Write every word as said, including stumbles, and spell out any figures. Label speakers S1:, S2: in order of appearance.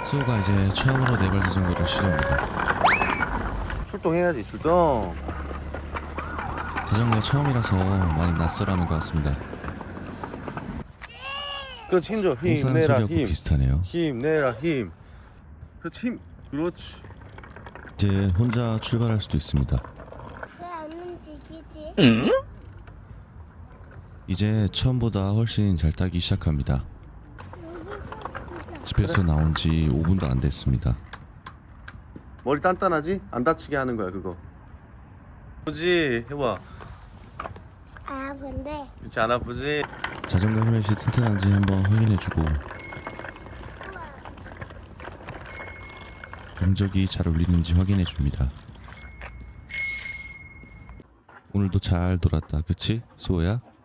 S1: 수호가 이제 처음으로 네발 자전거를 시도합니다.
S2: 출동해야지 출동.
S1: 자전거 처음이라서 많이 낯설어하는 것 같습니다.
S2: 그렇지 힘줘.
S1: 공사하는
S2: 힘내라
S1: 소리하고
S2: 힘.
S1: 비슷하네요.
S2: 힘내라 힘. 그렇지 힘. 그렇지.
S1: 이제 혼자 출발할 수도 있습니다.
S3: 왜 안 움직이지?
S1: 이제 처음보다 훨씬 잘 타기 시작합니다. 집에서 나온 지 오 분도 안 됐습니다.
S2: 머리 단단하지? 안 다치게 하는 거야 그거. 아프지? 해봐.
S3: 아 근데
S2: 그렇지 안 아프지?
S1: 자전거 헬멧이 튼튼한지 한번 확인해주고 경적이 잘 울리는지 확인해줍니다. 오늘도 잘 돌았다, 그치? 수호야?